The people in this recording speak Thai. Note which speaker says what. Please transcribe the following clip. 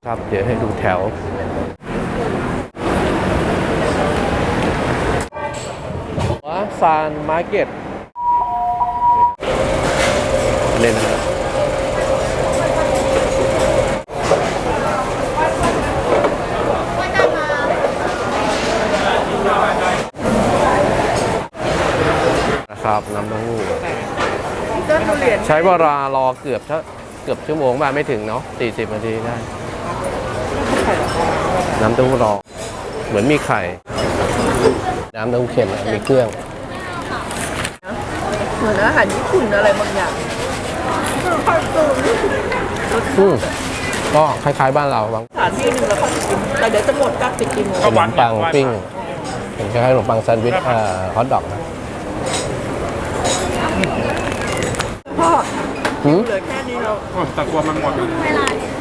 Speaker 1: ครับเดี๋ยวให้ดูแถวซานมาร์เก็ตเล่นนะครับนะครับน้ำเต้าหู้ใช้เวลารอเกือบชั่วโมงบ้างไม่ถึงเนาะ40 นาทีได้น้ำเต้าหู้รอเหมือนมีไข่น้ำเต้าหู้เค็มมีเครื่อง
Speaker 2: เหมือนอาหารญี่ปุ่นอะไรบางอย่าง
Speaker 1: ก็คล้ายๆบ้านเราบาง
Speaker 2: สถานที่หนึ่งแล้วก็กินแต่เดี๋ยวจะหมดก็ปิดกี่โมง
Speaker 1: ขนมปังปิ้งเป็นคล้ายๆขนมปังแซนด์วิชฮอทดอกนะ
Speaker 2: พ่อเหลือแค่นี้เรา
Speaker 3: ตะกัวมันหมด